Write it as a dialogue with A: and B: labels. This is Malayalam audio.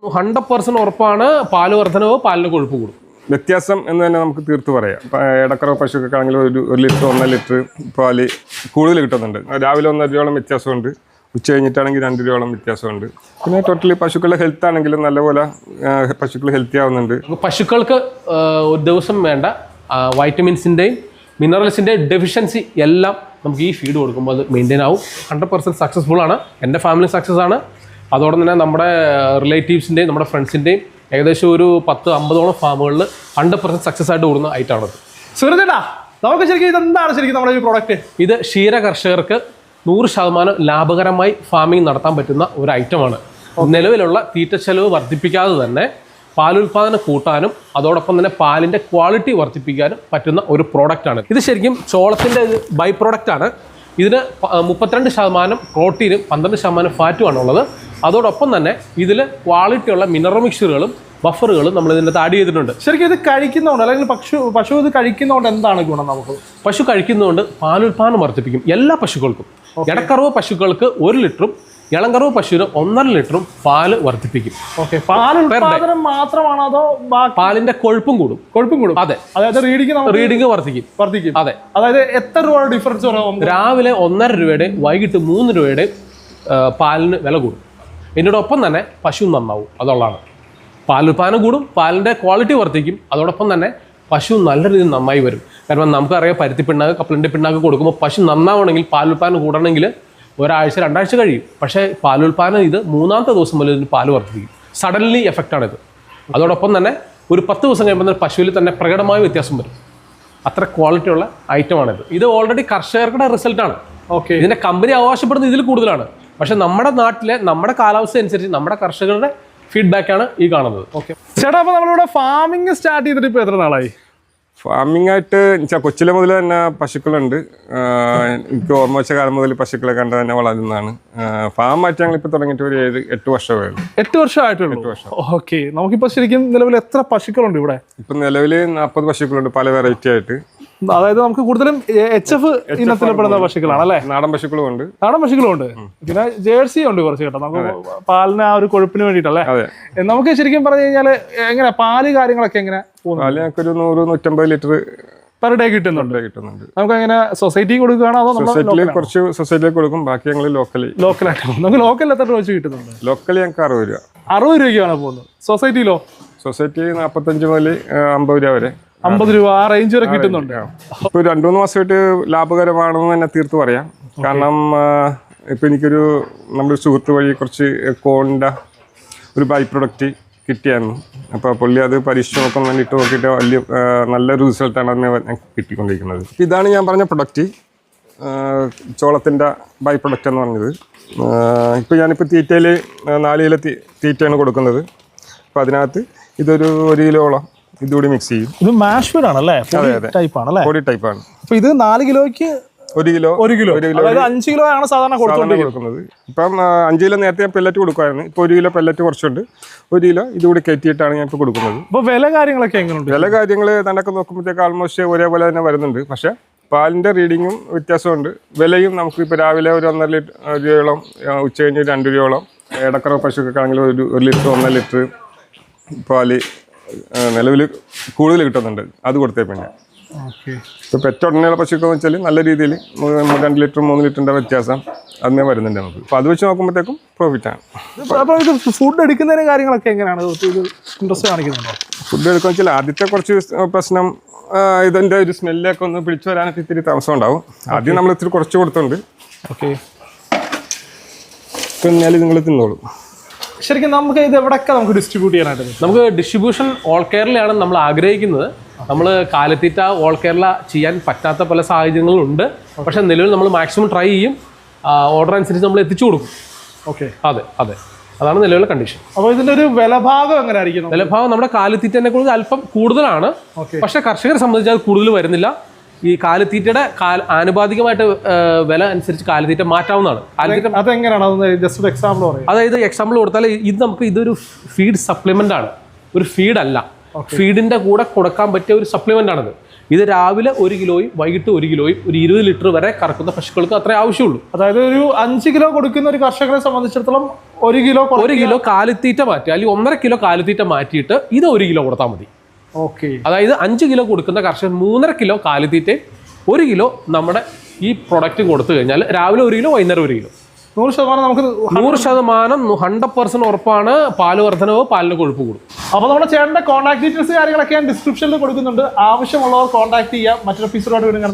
A: 100% ഉറപ്പാണ് പാല് വർധനവോ പാലിന് കൊഴുപ്പ് കൂടും.
B: വ്യത്യാസം എന്ന് തന്നെ നമുക്ക് തീർത്ത് പറയാം. ഇടക്കറ പശുക്കൊക്കെ ആണെങ്കിൽ ഒരു ലിറ്റർ 1.5 ലിറ്റർ പാല് കൂടുതൽ കിട്ടുന്നുണ്ട്. രാവിലെ 1.5 രൂപയോളം വ്യത്യാസമുണ്ട്, ഉച്ച കഴിഞ്ഞിട്ടാണെങ്കിൽ 2 രൂപയോളം വ്യത്യാസമുണ്ട്. പിന്നെ ടോട്ടലി പശുക്കളുടെ ഹെൽത്ത് ആണെങ്കിലും നല്ലപോലെ പശുക്കൾ ഹെൽത്തി ആവുന്നുണ്ട്.
A: പശുക്കൾക്ക് ഒരു ദിവസം വേണ്ട വൈറ്റമിൻസിൻ്റെയും മിനറൽസിൻ്റെയും ഡെഫിഷ്യൻസി എല്ലാം നമുക്ക് ഈ ഫീഡ് കൊടുക്കുമ്പോൾ അത് മെയിൻറ്റെയിൻ ആവും. 100% സക്സസ്ഫുൾ ആണ്. എൻ്റെ ഫാമിലി സക്സസ് ആണ്. അതോടെ തന്നെ നമ്മുടെ റിലേറ്റീവ്സിൻ്റെയും നമ്മുടെ ഫ്രണ്ട്സിൻ്റെയും ഏകദേശം ഒരു 10-50ഓളം ഫാമുകളിൽ 100% സക്സസ് ആയിട്ട് കൂടുന്ന ഐറ്റമാണത്.
C: സുഹൃത്തേട്ടാ, നമുക്ക് ശരിക്കും ഇതെന്താണ് ശരിക്കും നമ്മുടെ ഈ പ്രോഡക്റ്റ്?
A: ഇത് ക്ഷീര കർഷകർക്ക് 100% ലാഭകരമായി ഫാമിംഗ് നടത്താൻ പറ്റുന്ന ഒരു ഐറ്റമാണ്. നിലവിലുള്ള തീറ്റ ചെലവ് വർദ്ധിപ്പിക്കാതെ തന്നെ പാലുൽപാദനം കൂട്ടാനും അതോടൊപ്പം തന്നെ പാലിൻ്റെ ക്വാളിറ്റി വർദ്ധിപ്പിക്കാനും പറ്റുന്ന ഒരു പ്രോഡക്റ്റാണ്. ഇത് ശരിക്കും ചോളത്തിൻ്റെ ബൈ പ്രോഡക്റ്റാണ്. ഇതിന് 32% പ്രോട്ടീനും 12% ഫാറ്റുമാണ് ഉള്ളത്. അതോടൊപ്പം തന്നെ ഇതിൽ ക്വാളിറ്റിയുള്ള മിനറൽ മിക്സറുകളും ബഫറുകളും നമ്മൾ ഇതിൻ്റെ ആഡ് ചെയ്തിട്ടുണ്ട്.
C: ശരിക്കും ഇത് കഴിക്കുന്നതുകൊണ്ട് അല്ലെങ്കിൽ പശു ഇത് കഴിക്കുന്നതുകൊണ്ട് എന്താണ് ഗുണം? നമുക്ക്
A: പശു കഴിക്കുന്നതുകൊണ്ട് പാലുൽപാദനം വർദ്ധിപ്പിക്കും എല്ലാ പശുക്കൾക്കും. ഇടക്കറവ് പശുക്കൾക്ക് 1 ലിറ്ററും ഇളങ്കറവ് പശുവിന് 1.5 ലിറ്ററും പാല് വർദ്ധിപ്പിക്കും.
C: പാലുൽപാദനം മാത്രമാണോ അതോ
A: പാലിന്റെ കൊഴുപ്പും കൂടും?
C: കൊഴുപ്പും കൂടും.
A: അതെ.
C: അതായത് റീഡിങ്
A: വർദ്ധിക്കും. അതെ.
C: അതായത് എത്ര രൂപ ഡിഫറൻസ് വരും?
A: രാവിലെ 1.5 രൂപയുടെ വൈകിട്ട് 3 രൂപയുടെ പാലിന് വില കൂടും. ഇതിനോടൊപ്പം തന്നെ പശു നന്നാവും. അതുള്ളതാണ്. പാലുൽപാദനം കൂടും, പാലിൻ്റെ ക്വാളിറ്റി വർദ്ധിക്കും. അതോടൊപ്പം തന്നെ പശു നല്ല രീതിയിൽ നന്നായി വരും. കാരണം നമുക്കറിയാം, പരുത്തി പിണ്ണാക്ക് കപ്പലിൻ്റെ പിണ്ണാക്ക് കൊടുക്കുമ്പോൾ പശു നന്നാവണമെങ്കിൽ പാലുൽപാദനം കൂടണമെങ്കിൽ ഒരാഴ്ച 2 ആഴ്ച കഴിയും. പക്ഷേ പാലുൽപാദനം ഇത് 3ാമത്തെ ദിവസം മുതൽ ഇതിന് പാല് വർദ്ധിക്കും. സഡൻലി എഫക്റ്റാണിത്. അതോടൊപ്പം തന്നെ ഒരു 10 ദിവസം കഴിയുമ്പോൾ തന്നെ പശുവിൽ തന്നെ പ്രകടമായ വ്യത്യാസം വരും. അത്ര ക്വാളിറ്റിയുള്ള ഐറ്റമാണിത്. ഇത് ഓൾറെഡി കർഷകരുടെ റിസൾട്ടാണ്.
C: ഓക്കെ.
A: ഇതിൻ്റെ കമ്പനി അവകാശപ്പെടുന്നത് ഇതിൽ കൂടുതലാണ്. പക്ഷെ നമ്മുടെ നാട്ടിലെ നമ്മുടെ കാലാവസ്ഥ അനുസരിച്ച് നമ്മുടെ കർഷകരുടെ ഫീഡ്ബാക്കാണ് ഈ കാണുന്നത്.
C: ഓക്കെ ചേട്ടാ, അപ്പോൾ നമ്മളിവിടെ ഫാമിംഗ് സ്റ്റാർട്ട് ചെയ്തിട്ട് ഇപ്പോൾ എത്ര നാളായി?
B: ഫാമിംഗ് ആയിട്ട് കൊച്ചിലെ മുതൽ തന്നെ പശുക്കളുണ്ട്. എനിക്ക് ഓർമ്മ വെച്ച കാലം മുതൽ പശുക്കളെ കണ്ട് തന്നെ വളരുന്നതാണ്. ഫാമായിട്ട് ഞങ്ങളിപ്പോൾ തുടങ്ങിയിട്ട് ഒരു 7-8 വർഷമേ ഉള്ളൂ.
C: 8 വർഷമായിട്ടുള്ളൂ.
B: 8 വർഷം.
C: ഓക്കെ. നമുക്കിപ്പോൾ ശരിക്കും നിലവിൽ എത്ര പശുക്കളുണ്ട് ഇവിടെ?
B: ഇപ്പം നിലവിൽ 40 പശുക്കളുണ്ട്, പല വെറൈറ്റി ആയിട്ട്.
C: അതായത് നമുക്ക് കൂടുതലും HF ഇനത്തിൽപ്പെടുന്ന പശുക്കളാണ് അല്ലേ?
B: നാടൻ പശുക്കളും ഉണ്ട്.
C: നാടൻ പശുക്കളും ഉണ്ട്. പിന്നെ ജേഴ്സി ഉണ്ട് കുറച്ച് കേട്ടോ, നമുക്ക് പാലിന് ആ ഒരു കൊഴുപ്പിന് വേണ്ടിയിട്ടല്ലേ? നമുക്ക് ശരിക്കും പറഞ്ഞു കഴിഞ്ഞാൽ എങ്ങനെ പാല് കാര്യങ്ങളൊക്കെ എങ്ങനെ?
B: പാല് ഞങ്ങൾക്ക് ഒരു 100-150 ലിറ്റർ
C: പെർ ഡേ കിട്ടുന്നുണ്ട്. നമുക്ക് എങ്ങനെ സൊസൈറ്റി കൊടുക്കുകയാണോ അതോ
B: കുറച്ച് സൊസൈറ്റിയിലേക്ക് കൊടുക്കും, ബാക്കി ഞങ്ങൾ
C: ലോക്കലായിട്ട്? നമുക്ക് ലോക്കലിൽ എത്ര രൂപ വെച്ച് കിട്ടുന്നുണ്ട്?
B: ലോക്കൽ ഞങ്ങൾക്ക് 60 രൂപ.
C: 60 രൂപയ്ക്കാണ് പോകുന്നത്. സൊസൈറ്റിയിലോ?
B: സൊസൈറ്റി 45 മുതൽ 50 രൂപ വരെ.
C: 50 രൂപ ആ റേഞ്ച് വരെ കിട്ടുന്നുണ്ട്.
B: ഇപ്പൊ 2-3 മാസമായിട്ട് ലാഭകരമാണെന്ന് തന്നെ തീർത്ത് പറയാം. കാരണം ഇപ്പൊ എനിക്കൊരു നമ്മുടെ സുഹൃത്ത് വഴി കുറച്ച് കോണിന്റെ ഒരു ബൈ പ്രൊഡക്റ്റ് കിട്ടിയായിരുന്നു. അപ്പോൾ പുള്ളി അത് പരീക്ഷിച്ച് നോക്കാൻ വേണ്ടിയിട്ട് നോക്കിയിട്ട് വലിയ നല്ലൊരു റിസൾട്ടാണ് അതിന് കിട്ടിക്കൊണ്ടിരിക്കുന്നത്. ഇതാണ് ഞാൻ പറഞ്ഞ പ്രൊഡക്റ്റ്, ചോളത്തിൻ്റെ ബൈ പ്രൊഡക്റ്റ് എന്ന് പറഞ്ഞത്. ഇപ്പോൾ ഞാനിപ്പോൾ തീറ്റയിൽ 4 കിലോ തീറ്റയാണ് കൊടുക്കുന്നത്. അപ്പോൾ അതിനകത്ത് ഇതൊരു 1 കിലോളം ഇതുകൂടി മിക്സ് ചെയ്യും.
C: ഇത് മാഷ് ഫീഡ് ആണല്ലേ?
B: പൊടി ടൈപ്പാണ്.
C: അപ്പോൾ ഇത് 4 കിലോയ്ക്ക്
B: 1 കിലോ
C: 5 കിലോ ആണ് സാധാരണ കൊടുക്കുന്നത്.
B: ഇപ്പം 5 കിലോ നേരത്തെ ഞാൻ പെല്ലറ്റ് കൊടുക്കുമായിരുന്നു. ഇപ്പോൾ 1 കിലോ പെല്ലറ്റ് കുറച്ചുണ്ട്. 1 കിലോ ഇതുകൂടി കയറ്റിയിട്ടാണ് ഞാൻ ഇപ്പോൾ കൊടുക്കുന്നത്.
C: അപ്പോൾ വില കാര്യങ്ങളൊക്കെ എങ്ങനെയുണ്ട്?
B: വില കാര്യങ്ങൾ തന്നൊക്കെ നോക്കുമ്പോഴത്തേക്ക് ആൾമോസ്റ്റ് ഒരേപോലെ തന്നെ വരുന്നുണ്ട്. പക്ഷേ പാലിൻ്റെ റീഡിങ്ങും വ്യത്യാസമുണ്ട്. വിലയും നമുക്ക് ഇപ്പോൾ രാവിലെ ഒരു 1.5 രൂപയോളം, ഉച്ച കഴിഞ്ഞ് 2 രൂപയോളം. ഇടക്കറ പശുക്കൊക്കെ ആണെങ്കിൽ ഒരു ലിറ്റർ 1.5 ലിറ്റർ പാല് നിലവിൽ കൂടുതൽ കിട്ടുന്നുണ്ട്. അത് കൊടുത്തേ പിന്നെ ഇപ്പോൾ പെറ്റുടനെയുള്ള പശുക്കൾ എന്ന് വെച്ചാൽ നല്ല രീതിയിൽ 2 ലിറ്റർ 3 ലിറ്ററിൻ്റെ വ്യത്യാസം അതിനെ വരുന്നുണ്ട് നമുക്ക്. അപ്പോൾ അത് വെച്ച് നോക്കുമ്പോഴത്തേക്കും പ്രോഫിറ്റാണ്.
C: അപ്പോൾ ഇത് ഫുഡ് എടുക്കുന്നതിന് കാര്യങ്ങളൊക്കെ എങ്ങനെയാണ്? ഇൻട്രസ്റ്റ് കാണിക്കുന്നുണ്ടോ?
B: ഫുഡ് എടുക്കുക വെച്ചാൽ ആദ്യത്തെ കുറച്ച് പ്രശ്നം ഇതിൻ്റെ ഒരു സ്മെല്ലൊക്കെ ഒന്ന് പിടിച്ചു വരാനൊക്കെ ഇത്തിരി താമസം ഉണ്ടാവും. ആദ്യം നമ്മൾ ഇത്തിരി കുറച്ച് കൊടുത്തുണ്ട്.
C: ഓക്കെ.
B: പിന്നെ നിങ്ങൾ തിന്നോളൂ.
C: ശരിക്കും നമുക്ക് ഇത് എവിടെയൊക്കെ നമുക്ക് ഡിസ്ട്രിബ്യൂട്ട് ചെയ്യാനായിട്ട്?
A: നമുക്ക് ഡിസ്ട്രിബ്യൂഷൻ ഓൾ കേരളയാണ് നമ്മൾ ആഗ്രഹിക്കുന്നത്. നമ്മൾ കാലിത്തീറ്റ ഓൾ കേരള ചെയ്യാൻ പറ്റാത്ത പല സാഹചര്യങ്ങളുണ്ട്. പക്ഷേ നിലവിൽ നമ്മൾ മാക്സിമം ട്രൈ ചെയ്യും. ഓർഡർ അനുസരിച്ച് നമ്മൾ എത്തിച്ചു കൊടുക്കും.
C: ഓക്കെ.
A: അതെ. അതാണ് നിലവിലെ കണ്ടീഷൻ.
C: അപ്പോൾ ഇതിൻ്റെ ഒരു വിലഭാഗം എങ്ങനെ ആയിരിക്കും?
A: വിലഭാഗം നമ്മുടെ കാലിത്തീറ്റനെ കുറിച്ച് അല്പം കൂടുതലാണ്. പക്ഷേ കർഷകരെ സംബന്ധിച്ച് അത് കൂടുതൽ വരുന്നില്ല. ഈ കാലിത്തീറ്റയുടെ ആനുപാതികമായിട്ട് വില അനുസരിച്ച് കാലിത്തീറ്റ മാറ്റാവുന്നതാണ്. അതായത് എക്സാമ്പിൾ കൊടുത്താൽ ഇതൊരു ഫീഡ് സപ്ലിമെന്റ് ആണ്, ഒരു ഫീഡ് അല്ല. ഫീഡിന്റെ കൂടെ കൊടുക്കാൻ പറ്റിയ ഒരു സപ്ലിമെന്റ് ആണത്. ഇത് രാവിലെ 1 കിലോയും വൈകിട്ട് 1 കിലോയും ഒരു 20 ലിറ്റർ വരെ കറക്കുന്ന പശുക്കൾക്ക് അത്രേ ആവശ്യമുള്ളൂ.
C: അതായത് ഒരു 5 കിലോ കൊടുക്കുന്ന ഒരു കർഷകരെ സംബന്ധിച്ചിടത്തോളം 1 കിലോ
A: കാലിത്തീറ്റ മാറ്റി, അല്ലെങ്കിൽ 1.5 കിലോ കാലിത്തീറ്റ മാറ്റിയിട്ട് ഇത് 1 കിലോ കൊടുത്താൽ മതി.
C: ഓക്കെ.
A: അതായത് 5 കിലോ കൊടുക്കുന്ന കർഷകൻ 3.5 കിലോ കാലിത്തീറ്റയും 1 കിലോ നമ്മുടെ ഈ പ്രൊഡക്റ്റും കൊടുത്തു കഴിഞ്ഞാൽ രാവിലെ 1 കിലോ വൈകുന്നേരം 1 കിലോ
C: 100% നമുക്ക്
A: 100% 100% ഉറപ്പാണ് പാല് വർധനവോ പാലിന് കൊഴുപ്പ് കൂടും.
C: അപ്പോൾ നമ്മുടെ ചേട്ടൻ്റെ കോൺടാക്ട് ഡീറ്റെയിൽസ് കാര്യങ്ങളൊക്കെ ഞാൻ ഡിസ്ക്രിപ്ഷനിൽ കൊടുക്കുന്നുണ്ട്. ആവശ്യമുള്ളവർ കോൺടാക്ട് ചെയ്യാം. മറ്റൊരു എപ്പിസോഡായിട്ട് വീണ്ടും